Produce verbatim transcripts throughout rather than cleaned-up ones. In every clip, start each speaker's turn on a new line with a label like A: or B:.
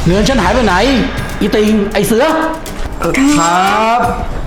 A: เงินฉันหายไปไหนอีติงไอเสือ
B: ครับ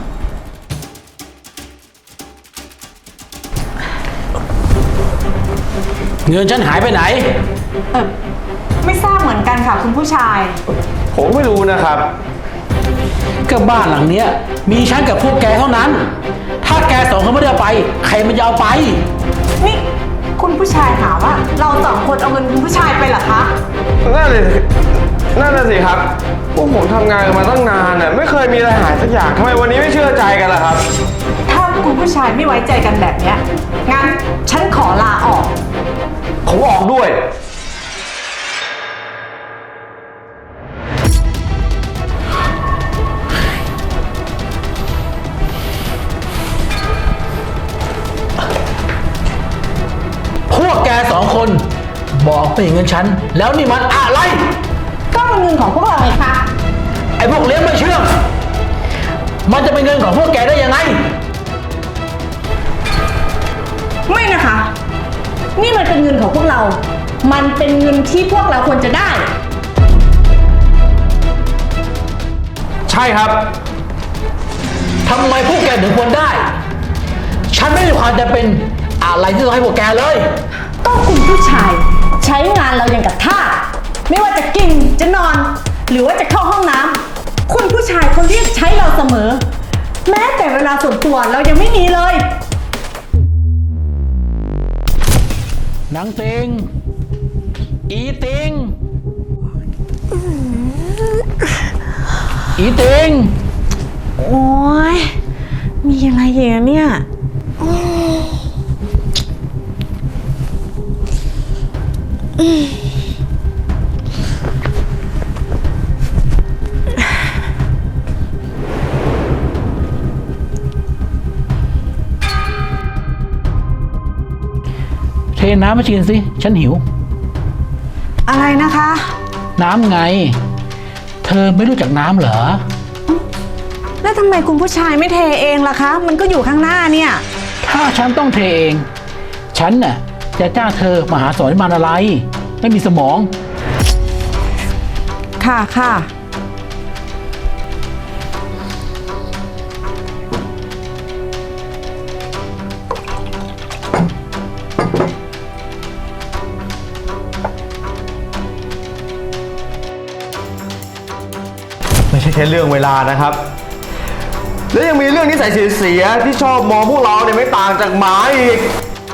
A: เงินฉันหายไปไหน
C: เออไม่ทราบเหมือนกันค่ะคุณผู้ชาย
B: ผมไม่รู้นะครับ
A: ก็บ้านหลังเนี้ยมีฉันกับพวกแกเท่านั้น ถ้าแกสองคนไม่ได้เอาไปใครมันจะเอาไป
C: นี่คุณผู้ชายหาว่าเราสองคนเอาเงินคุณผู้ชายไปเหรอคะ
B: นั่นเลยนั่นน่ะสิครับพวกผมทำงานกันมาตั้งนานน่ะไม่เคยมีอะไรหายสักอย่างทำไมวันนี้ไม่เชื่อใจกันล่ะครับ
C: ถ้าคุณผู้ชายไม่ไว้ใจกันแบบเนี้ยงั้นฉันขอลาออก
B: ผมออกด้วย
A: พวกแกสองคนบอกไม่เงินฉันแล้วนี่มันอะไร
C: ก็เป็นเงินของพวกเราไงคะ
A: ไอ้พวกเลี้ยงไม่เชื่องมันจะเป็นเงินของพวกแกได้ยังไง
C: ไม่นะคะนี่มันเป็นเงินของพวกเรามันเป็นเงินที่พวกเราควรจะได้
B: ใช่ครับ
A: ทำไมพวกแกถึงควรได้ฉันไม่มีความจำเป็นอะไรที่ต้องให้พวกแกเลย
C: ก็คุณผู้ชายใช้งานเราอย่างกับทาสไม่ว่าจะกินจะนอนหรือว่าจะเข้าห้องน้ำคุณผู้ชายเขาเรียกใช้เราเสมอแม้แต่เวลาส่วนตัวเรายังไม่มีเลย
A: นางติงอีติงอีติง
C: โอ้ยมีอะไรอย่างเนี้ย
A: เทน้ำมาชิมสิฉันหิว
C: อะไรนะคะ
A: น้ำไงเธอไม่รู้จักน้ำเหรอ
C: แล้วทำไมคุณผู้ชายไม่เทเองล่ะคะมันก็อยู่ข้างหน้าเนี่ย
A: ถ้าฉันต้องเทเองฉันน่ะจะจ้างเธอมาหาสอนมันอะไรไม่มีสมอง
C: ค่ะค่ะ
B: ไม่ใช่แค่เรื่องเวลานะครับแล้วยังมีเรื่องนิสัยเสียๆที่ชอบมองพวกเราเนี่ยไม่ต่างจากหมาอีก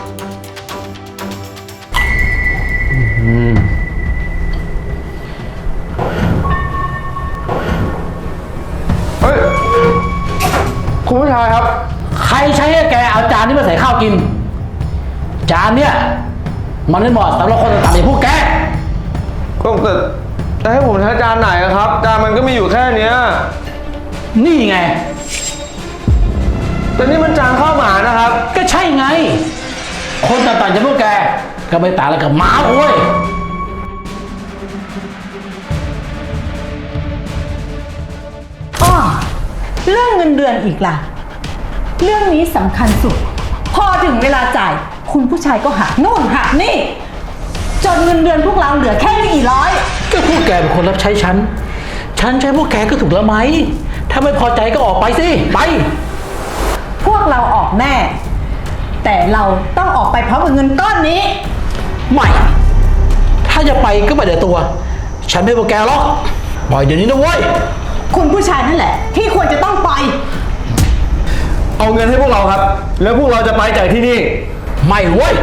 B: เฮ้ยคุณผู้ชายครับ
A: ใครใช้ให้แกเอาจานนี้มาใส่ข้าวกินจานเนี้ยมันไม่เหมาะสำหรับคนต่างๆอย่างพวกแก
B: ก็แต่จะให้ผมใช้จานไหนครับจานมันก็มีอยู่แค่เนี้ย
A: นี่ไง
B: แต่นี่มันจานข้าวหมานะครับ
A: ก็ใช่ไงคนต่างๆจากพวกแกก็ไม่ต่างอะไรกับหมาโว้ย
C: อ้อเรื่องเงินเดือนอีกล่ะเรื่องนี้สำคัญสุดพอถึงเวลาจ่ายคุณผู้ชายก็หักนู่นหักนี่จนเงินเดือนพวกเราเหลือแค่ไม่กี่ร้อย
A: ก็พวกแกเป็นคนรับใช้ฉันฉันใช้พวกแกก็ถูกแล้วไหมถ้าไม่พอใจก็ออกไปสิไป
C: พวกเราออกแน่แต่เราต้องออกไปพร้อมกับเงินก้อนนี้
A: ไม่ถ้าจะไปก็ไปเดี๋ยวตัวฉันไม่พวกแกหรอกปล่อยเดี๋ยวนี้นะเว้ย
C: คุณผู้ชายนั่นแหละที่ควรจะต้องไป
B: เอาเงินให้พวกเราครับแล้วพวกเราจะไปจากที่นี่
A: ไม่เว้ย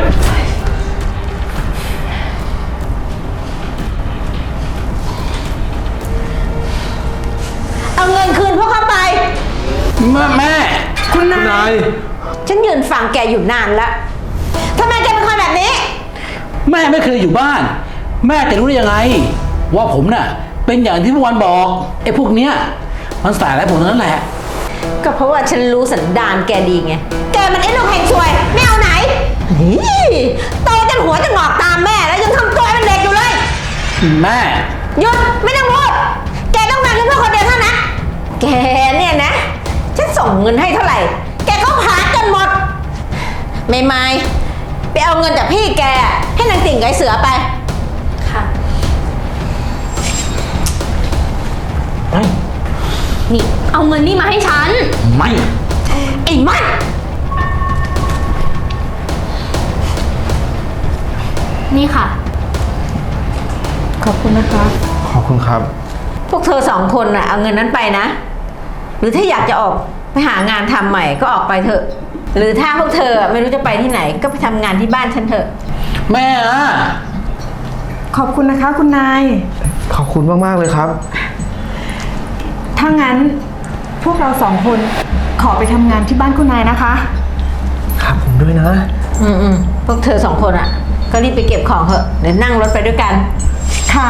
C: เอาเงินคืนพวกเขาไป
A: แม่แม่
C: คุณนายฉันยืนฟังแกอยู่นานแล้วทำไมแกเป็นคนแบบนี้
A: แม่ไม่เคยอยู่บ้านแม่จะรู้ได้ยังไงว่าผมน่ะเป็นอย่างที่พวกวันบอกไอ้พวกเนี้ยมันสายอะไรผมนั่นแหละ
C: ก็เพราะว่าฉันรู้สันดานแกดีไงแกมันไอ้ลูกแห่งซวยไม่เอาไหนโตจนหัวจะงอกตามแม่แล้วยังทำตัวเป็นเด็กอยู่เลย
A: แม่
C: หยุดไม่ต้องพูดแกต้องการแค่เพื่อคนเดียวเท่านั้นแกเนี่ยนะฉันส่งเงินให้เท่าไหร่แกก็หาจนหมดไม่ไม่ไปเอาเงินจากพี่แกให้นางติ่งไก่เสือไปค่ะ
D: นี่เอาเงินนี่มาให้ฉัน
A: ไม่
D: ไอ้มันนี่ค่ะ
C: ขอบคุณนะคะ
B: ขอบคุณครับ
E: พวกเธอสองคนน่ะเอาเงินนั้นไปนะ หรือถ้าอยากจะออกไปหางานทำใหม่ก็ออกไปเถอะ หรือถ้าพวกเธอไม่รู้จะไปที่ไหนก็ไปทำงานที่บ้านฉันเถอะ
A: แม่อะ
C: ขอบคุณนะคะ คุณนาย
B: ขอบคุณมากๆเลยครับ
C: ถ้างั้นพวกเราสองคนขอไปทำงานที่บ้านคุณนายนะคะ
B: ครับผมด้วยนะ
E: อืมอืมพวกเธอสองคนอ่ะ ก็รีบไปเก็บของเถอะเดี๋ยวนั่งรถไปด้วยกัน
C: ค่ะ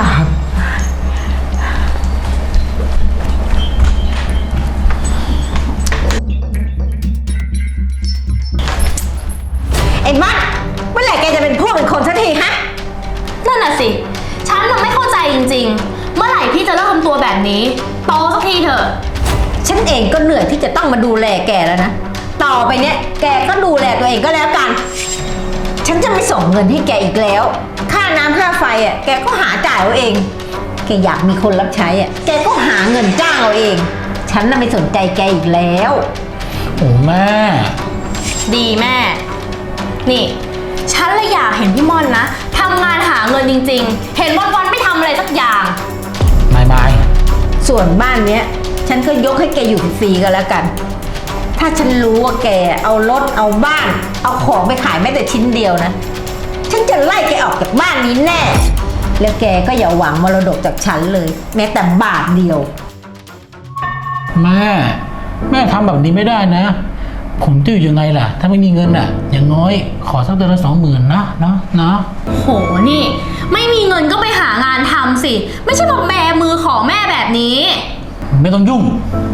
E: ไอ้มัดเมื่อไหร่แกจะเป็นพวกเป็นคนสักทีฮะ
D: นั่นน่ะสิ ฉันมันไม่เข้าใจจริงๆ เมื่อไหร่พี่จะเลิกทำตัวแบบนี้โตสักทีเถอะ
E: ฉันเองก็เหนื่อยที่จะต้องมาดูแลแกแล้วนะ ต่อไปเนี้ยแกก็ดูแลตัวเองก็แล้วกัน ฉันจะไม่ส่งเงินให้แกอีกแล้ว ค่าน้ำค่าไฟอ่ะแกก็หาจ่ายเอาเอง แกอยากมีคนรับใช้อ่ะแกก็หาเงินจ้างเอาเอง ฉันน่ะไม่สนใจแกอีกแล้ว
A: โอ้แม่
D: ดีแม่ นี่ ฉันเลยอยากเห็นพี่ม่อนนะทำงานหาเงินจริงๆ เห็นวันๆไม่ทำอะไรสักอย่าง
A: ไม่ไม่
E: ส่วนบ้านเนี้ยฉันก็ยกให้แกอยู่ฟรีๆก็แล้วกัน ถ้าฉันรู้ว่าแกเอารถเอาบ้าน เอาของไปขายแม้แต่ชิ้นเดียวนะ ฉันจะไล่แกออกจากบ้านนี้แน่ แล้วแกก็อย่าหวังมรดกจากฉันเลย แม้แต่บาทเดียว
A: แม่ แม่ทำแบบนี้ไม่ได้นะ ผมจะอยู่ยังไงล่ะ ถ้าไม่มีเงินอ่ะ อย่างน้อยขอสักเดือนละสองหมื่นนะเนาะเนาะ
D: โหนี่ ไม่มีเงินก็ไปหางานทำสิ ไม่ใช่มาแบมือขอแม่แบบนี้
A: ไม่ต้องยุ่ง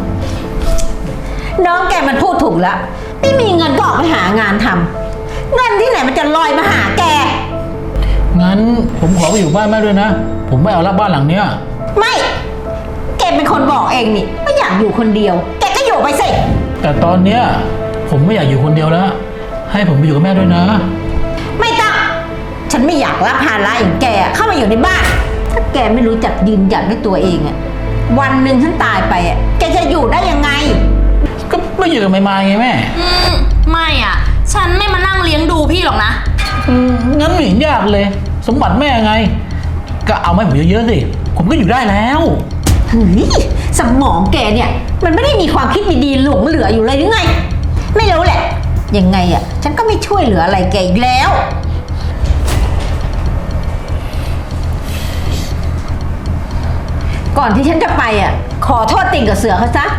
E: น้องแกมันพูดถูกแล้ว ไม่มีเงินก็ออกไปหางานทำเงินที่ไหนมันจะลอยมาหาแก
A: งั้นผมขอไปอยู่บ้านแม่ด้วยนะ ผมไม่เอารับบ้านหลังเนี้ย
E: ไม่ แกเป็นคนบอกเองนี่ไม่อยากอยู่คนเดียว แกก็อยู่ไปสิ
A: แต่ตอนเนี้ยผมไม่อยากอยู่คนเดียวแล้ว ให้ผมไปอยู่กับแม่ด้วยนะ
E: ไม่ต้อง ฉันไม่อยากรับภาระอย่างแกเข้ามาอยู่ในบ้าน ถ้าแกไม่รู้จักยืนหยัดด้วยตัวเองอะวันหนึ่งฉันตายไปอะแกจะอยู่ได้ยังไง
A: ก็ไม่อยู่กับไม่มาไงแม่
D: อืม ไม่อ่ะ ฉันไม่มานั่งเลี้ยงดูพี่หรอกนะ
A: อืมงั้นไม่เห็นยากเลย สมบัติแม่ไง ก็เอามาให้ผมเยอะๆสิ ผมก็อยู่ได้แล้ว
E: เฮ้ยสมองแกเนี่ย มันไม่ได้มีความคิดดีๆหลงเหลืออยู่เลยหรือไง ไม่รู้แหละ ยังไงอะฉันก็ไม่ช่วยเหลืออะไรแกอีกแล้ว ก่อนที่ฉันจะไปอะขอโทษติ่งกับเสือเขาซะ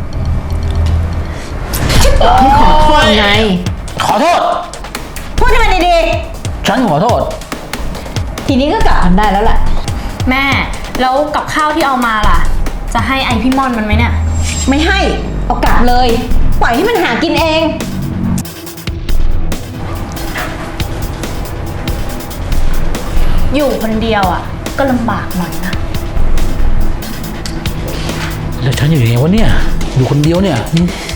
E: ฉันบอกให้ขอโทษไง
A: ขอโทษ
E: พูดให้มันดี
A: ฉันขอโทษ
E: ๆทีนี้ก็กลับกันได้แล้วแหละ
D: แม่ แล้วกับข้าวที่เอามาล่ะ จะให้ไอพี่ม่อนมันไหมเนี่ย
E: ไม่ให้เอากลับเลย ปล่อยให้มันหากินเอง
D: อยู่คนเดียวอ่ะ ก็ลำบากหน่อยนะ
A: แล้วฉันอยู่ยังไงวะเนี่ย อยู่คนเดียวเนี่ยอืม